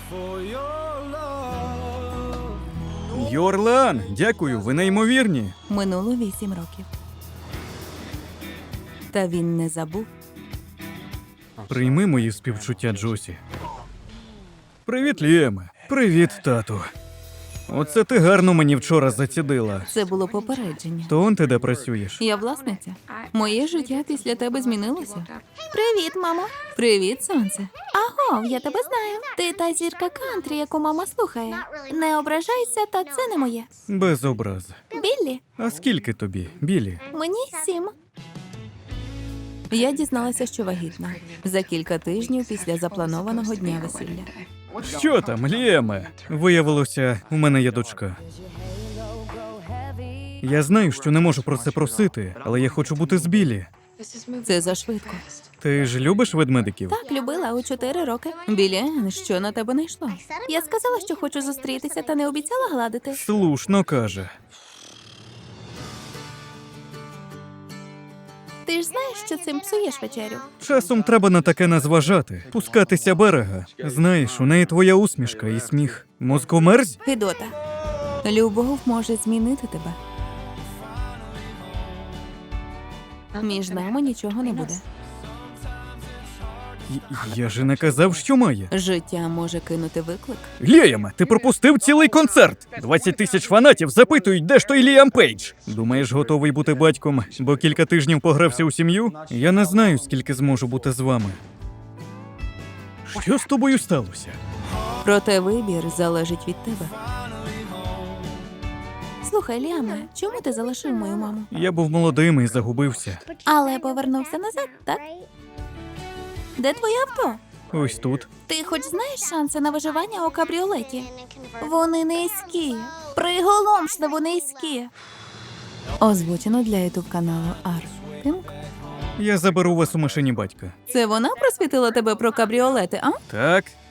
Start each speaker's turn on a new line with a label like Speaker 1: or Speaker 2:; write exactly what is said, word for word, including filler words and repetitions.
Speaker 1: Йорлан, дякую, ви неймовірні.
Speaker 2: Минуло вісім років. Та він не забув.
Speaker 1: Прийми мої співчуття, Джосі. Привіт, Ліеме. Привіт, тату. Оце ти гарно мені вчора зацідила.
Speaker 2: Це було попередження.
Speaker 1: То он ти де працюєш?
Speaker 2: Я власниця. Моє життя після тебе змінилося. Привіт, мамо. Привіт, сонце.
Speaker 3: Аго, я тебе знаю. Ти та зірка кантрі, яку мама слухає. Не ображайся, та це не моє.
Speaker 1: Без образи.
Speaker 3: Біллі,
Speaker 1: А скільки тобі, Білі?
Speaker 3: мені сім.
Speaker 2: Я дізналася, що вагітна. За кілька тижнів після запланованого дня весілля.
Speaker 1: Що там, Ліеме? Виявилося, у мене є дочка. Я знаю, що не можу про це просити, але я хочу бути з Білі.
Speaker 2: Це зашвидко.
Speaker 1: Ти ж любиш ведмедиків?
Speaker 3: Так, любила у чотири роки.
Speaker 2: Білі, що на тебе не йшло?
Speaker 3: Я сказала, що хочу зустрітися, та не обіцяла гладити.
Speaker 1: Слушно каже.
Speaker 3: Ти ж знаєш, що цим псуєш вечерю.
Speaker 1: Часом треба на таке не зважати. Пускатися берега. Знаєш, у неї твоя усмішка і сміх. Мозкомерзь?
Speaker 2: Гидота. Любов може змінити тебе. Між нами нічого не буде.
Speaker 1: Й- Я же не казав, що має.
Speaker 2: Життя може кинути виклик.
Speaker 1: Ліаме, ти пропустив цілий концерт. двадцять тисяч фанатів запитують, де ж той Ліам Пейдж. Думаєш, готовий бути батьком, бо кілька тижнів погрався у сім'ю? Я не знаю, скільки зможу бути з вами. Що з тобою сталося?
Speaker 2: Проте вибір залежить від тебе.
Speaker 3: Слухай, Ліаме, чому ти залишив мою маму?
Speaker 1: Я був молодим і загубився.
Speaker 3: Але повернувся назад, так? Де твоє авто?
Speaker 1: Ось тут.
Speaker 3: Ти хоч знаєш шанси на виживання у кабріолеті? Вони низькі. Приголомшливо низькі.
Speaker 2: Озвучено для ютуб каналу Ар. Пінк.
Speaker 1: Я заберу вас у машині батька.
Speaker 2: Це вона просвітила тебе про кабріолети, а?
Speaker 1: Так,